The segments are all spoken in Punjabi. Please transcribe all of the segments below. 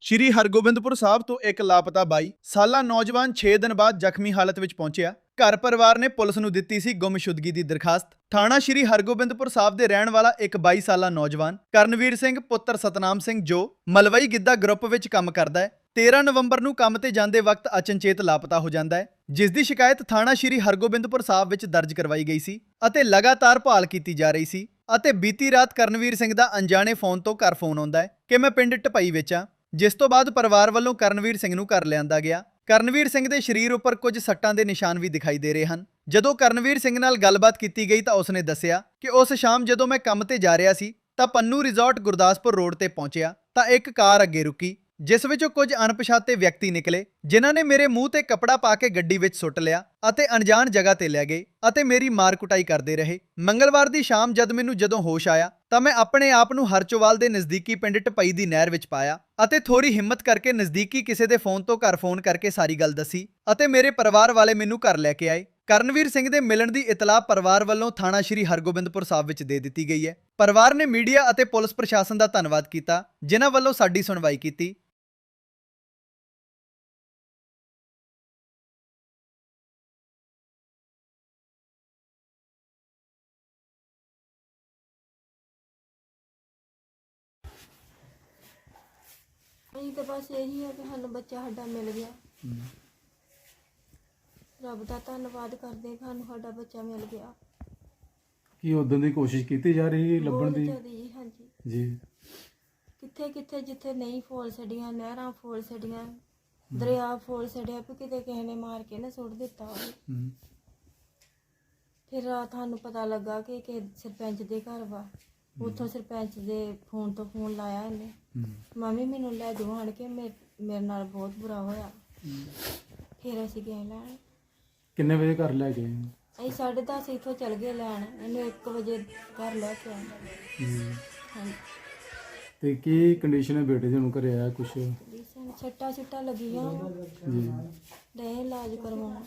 ਸ਼੍ਰੀ ਹਰਗੋਬਿੰਦਪੁਰ ਸਾਹਿਬ ਤੋਂ ਇੱਕ ਲਾਪਤਾ 22 ਸਾਲਾ ਨੌਜਵਾਨ 6 ਦਿਨ ਬਾਅਦ ਜ਼ਖਮੀ ਹਾਲਤ ਵਿੱਚ ਪਹੁੰਚਿਆ। ਘਰ ਪਰਿਵਾਰ ਨੇ ਪੁਲਿਸ ਨੂੰ ਦਿੱਤੀ ਸੀ ਗੁੰਮਸ਼ੁਦਗੀ ਦੀ ਦਰਖਾਸਤ। ਥਾਣਾ ਸ਼੍ਰੀ ਹਰਗੋਬਿੰਦਪੁਰ ਸਾਹਿਬ ਦੇ ਰਹਿਣ ਵਾਲਾ ਇੱਕ 22 ਸਾਲਾ ਨੌਜਵਾਨ ਕਰਨਵੀਰ ਸਿੰਘ ਪੁੱਤਰ ਸਤਨਾਮ ਸਿੰਘ ਜੋ ਮਲਵਈ ਗਿੱਧਾ ਗਰੁੱਪ ਵਿੱਚ ਕੰਮ ਕਰਦਾ ਹੈ, 13 ਨਵੰਬਰ ਨੂੰ ਕੰਮ ਤੇ ਜਾਂਦੇ ਵਕਤ ਅਚਨਚੇਤ ਲਾਪਤਾ ਹੋ ਜਾਂਦਾ ਹੈ, ਜਿਸ ਦੀ ਸ਼ਿਕਾਇਤ ਥਾਣਾ ਸ਼੍ਰੀ ਹਰਗੋਬਿੰਦਪੁਰ ਸਾਹਿਬ ਵਿੱਚ ਦਰਜ ਕਰਵਾਈ ਗਈ ਸੀ ਅਤੇ ਲਗਾਤਾਰ ਭਾਲ ਕੀਤੀ ਜਾ ਰਹੀ ਸੀ। ਅਤੇ ਬੀਤੀ ਰਾਤ ਕਰਨਵੀਰ ਸਿੰਘ ਦਾ ਅਣਜਾਣੇ ਫੋਨ ਤੋਂ ਘਰ ਫੋਨ ਆਉਂਦਾ ਹੈ ਕਿ ਮੈਂ ਪਿੰਡ ਢਪਈ ਵਿੱਚ ਹਾਂ, ਜਿਸ ਤੋਂ ਬਾਅਦ ਪਰਿਵਾਰ ਵੱਲੋਂ ਕਰਨਵੀਰ ਸਿੰਘ ਨੂੰ ਘਰ ਲਿਆਂਦਾ ਗਿਆ। ਕਰਨਵੀਰ ਸਿੰਘ ਦੇ ਸਰੀਰ ਉੱਪਰ ਕੁਝ ਸੱਟਾਂ ਦੇ ਨਿਸ਼ਾਨ ਵੀ ਦਿਖਾਈ ਦੇ ਰਹੇ ਹਨ। ਜਦੋਂ ਕਰਨਵੀਰ ਸਿੰਘ ਨਾਲ ਗੱਲਬਾਤ ਕੀਤੀ ਗਈ ਤਾਂ ਉਸਨੇ ਦੱਸਿਆ ਕਿ ਉਸ ਸ਼ਾਮ ਜਦੋਂ ਮੈਂ ਕੰਮ ਤੇ ਜਾ ਰਿਹਾ ਸੀ ਤਾਂ ਪੰਨੂ ਰਿਜ਼ੋਰਟ ਗੁਰਦਾਸਪੁਰ ਰੋਡ ਤੇ ਪਹੁੰਚਿਆ ਤਾਂ ਇੱਕ ਕਾਰ ਅੱਗੇ ਰੁਕੀ, ਜਿਸ ਵਿੱਚੋਂ ਕੁਝ ਅਣਪਛਾਤੇ ਵਿਅਕਤੀ ਨਿਕਲੇ, ਜਿਨ੍ਹਾਂ ਨੇ ਮੇਰੇ ਮੂੰਹ ਤੇ ਕੱਪੜਾ ਪਾ ਕੇ ਗੱਡੀ ਵਿੱਚ ਸੁੱਟ ਲਿਆ ਅਤੇ ਅਣਜਾਣ ਜਗ੍ਹਾ ਤੇ ਲੈ ਗਏ ਅਤੇ ਮੇਰੀ ਮਾਰ ਕੁਟਾਈ ਕਰਦੇ ਰਹੇ। ਮੰਗਲਵਾਰ ਦੀ ਸ਼ਾਮ ਜਦ ਮੈਨੂੰ ਹੋਸ਼ ਆਇਆ ਤਾਂ ਮੈਂ ਆਪਣੇ ਆਪ ਨੂੰ ਹਰਚੋਵਾਲ ਦੇ ਨਜ਼ਦੀਕੀ ਪਿੰਡ ਢਪਈ ਦੀ ਨਹਿਰ ਵਿੱਚ ਪਾਇਆ ਅਤੇ ਥੋੜੀ ਹਿੰਮਤ ਕਰਕੇ ਨਜ਼ਦੀਕੀ ਕਿਸੇ ਦੇ ਫੋਨ ਤੋਂ ਘਰ ਫੋਨ ਕਰਕੇ ਸਾਰੀ ਗੱਲ ਦੱਸੀ ਅਤੇ ਮੇਰੇ ਪਰਿਵਾਰ ਵਾਲੇ ਮੈਨੂੰ ਘਰ ਲੈ ਕੇ ਆਏ। ਕਰਨਵੀਰ ਸਿੰਘ ਦੇ ਮਿਲਣ ਦੀ ਇਤਲਾਹ ਪਰਿਵਾਰ ਵੱਲੋਂ ਥਾਣਾ ਸ਼੍ਰੀ ਹਰਗੋਬਿੰਦਪੁਰ ਸਾਹਿਬ ਵਿੱਚ ਦੇ ਦਿੱਤੀ ਗਈ ਹੈ। ਪਰਿਵਾਰ ਨੇ ਮੀਡੀਆ ਅਤੇ ਪੁਲਿਸ ਪ੍ਰਸ਼ਾਸਨ ਦਾ ਧੰਨਵਾਦ ਕੀਤਾ, ਜਿਨ੍ਹਾਂ ਵੱਲੋਂ ਸਾਡੀ ਸੁਣਵਾਈ ਕੀਤੀ। ਅਸੀਂ ਤਾਂ ਬਸ ਇਹੀ ਹੈ ਕਿ ਸਾਨੂੰ ਬੱਚਾ ਸਾਡਾ ਮਿਲ ਗਿਆ। ਰੱਬ ਦਾ ਧੰਨਵਾਦ ਕਰਦੇ ਹਾਂ, ਸਾਨੂੰ ਸਾਡਾ ਬੱਚਾ ਮਿਲ ਗਿਆ। ਕੀ ਉਦੋਂ ਦੀ ਕੋਸ਼ਿਸ਼ ਕੀਤੀ ਜਾ ਰਹੀ ਹੈ ਲੱਭਣ ਦੀ? ਜੀ ਹਾਂਜੀ ਜੀ। ਕਿੱਥੇ ਕਿੱਥੇ ਜਿੱਥੇ ਨਹੀਂ ਫੋਲ ਛੱਡੀਆਂ, ਨਹਿਰਾਂ ਫੋਲ ਛੱਡੀਆਂ, ਦਰਿਆ ਫੋਲ ਛੱਡਿਆ ਵੀ ਕਿਤੇ ਕਿਸੇ ਨੇ ਮਾਰ ਕੇ ਨਾ ਸੁੱਟ ਦਿੱਤਾ ਹੋਵੇ। ਫਿਰ ਰਾਤ ਸਾਨੂੰ ਪਤਾ ਲੱਗਾ ਕਿ ਸਰਪੰਚ ਦੇ ਘਰ ਵਾ, ਉੱਥੋਂ ਸਰਪੰਚ ਦੇ ਫੋਨ ਤੋਂ ਫੋਨ ਲਾਇਆ ਇਹਨੇ, ਮੰਮੀ ਮੈਨੂੰ ਲੈ ਜਾਓ ਆਣ ਕੇ, ਮੇਰੇ ਨਾਲ ਬਹੁਤ ਬੁਰਾ ਹੋਇਆ। ਫਿਰ ਅਸੀਂ ਗਏ ਲੈਣ। ਕਿੰਨੇ ਵਜੇ ਘਰ ਲੈ ਗਏ? ਅਸੀਂ 10:30 ਇੱਥੋਂ ਚਲ ਗਏ ਲੈਣ, ਇਹਨੂੰ 1 ਵਜੇ ਘਰ ਲੈ ਕੇ ਆਏ। ਹਾਂਜੀ। ਤੇ ਕੀ ਕੰਡੀਸ਼ਨ ਹੈ ਬੇਟੇ ਦੀ? ਨੂੰ ਘਰੇ ਆਇਆ ਕੁਛ? ਜੀ ਸਾਨੂੰ ਛੱਟਾਂ ਲੱਗੀਆਂ ਜੀ। ਦੇ ਇਲਾਜ ਕਰਵਾਉਣਾ।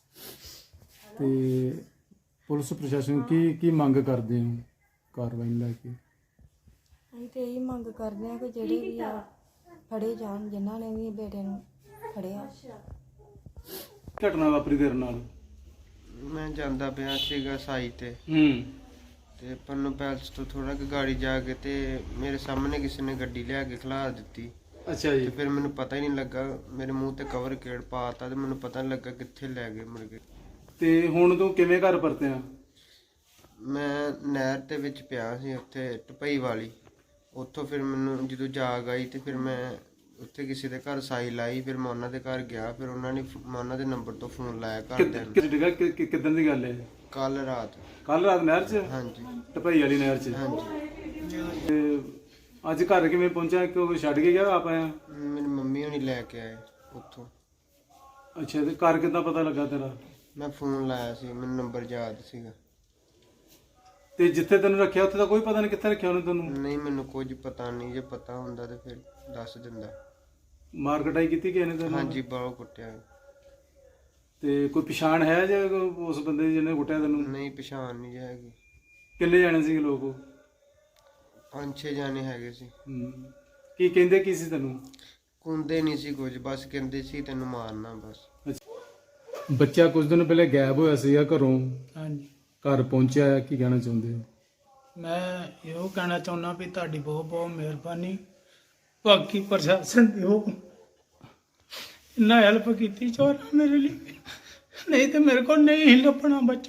ਤੇ ਪੁਲਿਸ ਪ੍ਰਸ਼ਾਸਨ ਕੀ ਮੰਗ ਕਰਦੇ ਹੋ ਕਾਰਵਾਈ ਨੂੰ ਲੈ ਕੇ? ਅਸੀਂ ਤੇ ਇਹੀ ਮੰਗ ਕਰਦੇ ਹਾਂ ਕਿ ਜਿਹੜੇ ਵੀ ਆ ਫੜੇ ਜਾਣ, ਜਿਨ੍ਹਾਂ ਨੇ ਵੀ ਬੇਟੇ ਨੂੰ ਫੜਿਆ। ਘਟਨਾ ਵਾਪਰੀ ਤੇਰੇ ਨਾਲ? ਮੈਂ ਜਾਂਦਾ ਪਿਆ ਸੀਗਾ ਸਾਈ ਤੇ ਪੰਨੂ ਪੈਲਸ ਤੋਂ ਥੋੜਾ ਕਿ ਗਾੜੀ ਜਾ ਕੇ ਤੇ ਮੇਰੇ ਸਾਹਮਣੇ ਕਿਸੇ ਨੇ ਗੱਡੀ ਲਿਆ ਕੇ ਖਲਾ ਦਿੱਤੀ। ਅੱਛਾ ਜੀ। ਤੇ ਫਿਰ ਮੈਨੂੰ ਪਤਾ ਹੀ ਨਹੀਂ ਲੱਗਾ, ਮੇਰੇ ਮੂੰਹ ਤੇ ਕਵਰ ਕਿਹੜ ਪਾਤਾ ਤੇ ਮੈਨੂੰ ਪਤਾ ਨਹੀਂ ਲੱਗਾ ਕਿੱਥੇ ਲੈ ਗਏ ਮੁੜ ਕੇ। ਤੇ ਹੁਣ ਤੂੰ ਕਿਵੇਂ ਘਰ ਪਰਤਿਆ? ਮੈਂ ਨਹਿਰ ਦੇ ਵਿੱਚ ਪਿਆ ਸੀ ਉੱਥੇ ਢਪਈ ਵਾਲੀ, ਉੱਥੋਂ ਫਿਰ ਮੈਨੂੰ ਜਦੋਂ ਜਾਗ ਆਈ ਤੇ ਫਿਰ ਮੈਂ ਉੱਥੇ ਕਿਸੇ ਦੇ ਘਰ ਸਾਈ ਲਾਈ, ਫਿਰ ਮੈਂ ਉਹਨਾਂ ਦੇ ਘਰ ਗਿਆ, ਫਿਰ ਉਹਨਾਂ ਨੇ ਮੈਂ ਉਹਨਾਂ ਦੇ ਨੰਬਰ ਤੋਂ ਫੋਨ ਲਾਇਆ ਘਰਦਿਆਂ ਨੂੰ। ਕਿੱਦਣ ਦੀ ਗੱਲ ਹੈ? ਕੱਲ ਰਾਤ ਨਹਿਰ 'ਚ? ਹਾਂਜੀ। ਢਪਈ ਵਾਲੀ ਨਹਿਰ 'ਚ? ਹਾਂਜੀ। ਤੇ ਅੱਜ ਘਰ ਕਿਵੇਂ ਪਹੁੰਚਿਆ? ਕਿਉਂ ਛੱਡ ਕੇ ਗਿਆ ਆਪ ਆਇਆ? ਮੇਰੀ ਮੰਮੀ ਹੋਣੀ ਲੈ ਕੇ ਆਏ ਉੱਥੋਂ। ਅੱਛਾ। ਤੇ ਘਰ ਕਿੱਦਾਂ ਪਤਾ ਲੱਗਾ ਤੇਰਾ? ਮੈਂ ਫੋਨ ਲਾਇਆ ਸੀ, ਮੈਨੂੰ ਨੰਬਰ ਯਾਦ ਸੀਗਾ। ਤੇ ਜਿੱਥੇ ਤੈਨੂੰ ਰੱਖਿਆ ਉੱਥੇ ਤਾਂ ਕੋਈ ਪਤਾ ਨਹੀਂ ਕਿੱਥੇ ਰੱਖਿਆ ਉਹਨੇ ਤੈਨੂੰ? ਨਹੀਂ, ਮੈਨੂੰ ਕੁਝ ਪਤਾ ਨਹੀਂ, ਜੇ ਪਤਾ ਹੁੰਦਾ ਤੇ ਫਿਰ ਦੱਸ ਦਿੰਦਾ। ਮਾਰ ਕਟਾਈ ਕੀਤੀ ਕਿਸੇ ਨੇ ਤੈਨੂੰ? ਹਾਂਜੀ, ਬਾਹੋਂ ਕੁੱਟਿਆ। ਤੇ ਕੋਈ ਪਛਾਣ ਹੈ ਜੇ ਉਸ ਬੰਦੇ ਦੀ ਜਿਹਨੇ ਕੁੱਟਿਆ ਤੈਨੂੰ? ਨਹੀਂ, ਪਛਾਣ ਨਹੀਂ ਹੈਗੀ। ਕਿੰਨੇ ਜਾਣੇ ਸੀ ਲੋਕ ਉਹ? 5-6 ਜਾਣੇ ਹੈਗੇ ਸੀ। ਕੀ ਕਹਿੰਦੇ ਕੀ ਸੀ ਤੈਨੂੰ? ਕੁੰਦੇ ਨਹੀਂ ਸੀ ਕੁਝ, ਬਸ ਕਹਿੰਦੇ ਸੀ ਤੈਨੂੰ ਮਾਰਨਾ ਬਸ। ਬੱਚਾ ਕੁਝ ਦਿਨ ਪਹਿਲੇ ਗਾਇਬ ਹੋਇਆ ਸੀਗਾ ਘਰੋਂ। ਹਾਂਜੀ। ਘਰ ਪਹੁੰਚਿਆ, ਕੀ ਕਹਿਣਾ ਚਾਹੁੰਦੇ ਹੋ? ਮੈਂ ਇਹੋ ਕਹਿਣਾ ਚਾਹੁੰਦਾ ਵੀ ਤੁਹਾਡੀ ਬਹੁਤ ਬਹੁਤ ਮਿਹਰਬਾਨੀ। ਬਾਕੀ ਪ੍ਰਸ਼ਾਸਨ ਦੀ ਉਹ ਇੰਨਾ ਹੈਲਪ ਕੀਤੀ ਚੋਰਾਂ ਮੇਰੇ ਲਈ, ਨਹੀਂ ਤੇ ਮੇਰੇ ਕੋਲ ਨਹੀਂ ਸੀ ਲੱਭਣਾ ਬੱਚਾ।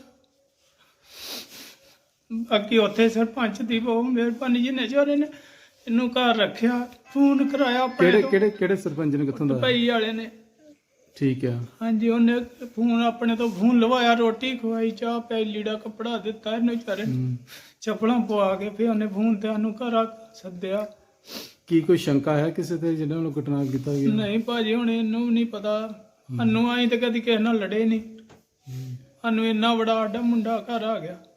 ਬਾਕੀ ਉੱਥੇ ਸਰਪੰਚ ਦੀ ਬਹੁਤ ਮਿਹਰਬਾਨੀ, ਜਿਹਨੇ ਚੋਰੇ ਨੇ ਇਹਨੂੰ ਘਰ ਰੱਖਿਆ, ਫੋਨ ਕਰਾਇਆ ਆਪਣੇ ਤੋਂ। ਕਿਹੜੇ ਸਰਪੰਚ ਨੇ? ਕਿੱਥੋਂ ਦਾ? ਭਾਈ ਵਾਲੇ ਨੇ। ਠੀਕ ਆ। ਹਾਂਜੀ, ਉਹਨੇ ਫੋਨ ਆਪਣੇ ਤੋਂ ਫੋਨ ਲਵਾਇਆ, ਰੋਟੀ ਖਵਾਈ, ਚਾਹ ਪਿਆਈ, ਲੀੜਾ ਕੱਪੜਾ ਦਿੱਤਾ ਇਹਨੂੰ ਵਿਚਾਰੇ, ਚੱਪਲਾਂ ਪਵਾ ਕੇ ਫਿਰ ਉਹਨੇ ਫੋਨ ਤੇ ਸਾਨੂੰ ਘਰ ਸੱਦਿਆ। ਕੀ ਕੋਈ ਸ਼ੰਕਾ ਹੈ ਕਿਸੇ ਤੇ ਜਿਹਨਾਂ ਨੂੰ ਘਟਨਾ ਕੀਤਾ ਗਿਆ? ਨਹੀਂ ਭਾਜੀ, ਹੁਣ ਇਹਨੂੰ ਵੀ ਨਹੀਂ ਪਤਾ। ਸਾਨੂੰ ਆਈ ਤੇ ਕਦੀ ਕਿਸੇ ਨਾਲ ਲੜੇ ਨਹੀਂ, ਸਾਨੂੰ ਇੰਨਾ ਬੜਾ ਸਾਡਾ ਮੁੰਡਾ ਘਰ ਆ ਗਿਆ।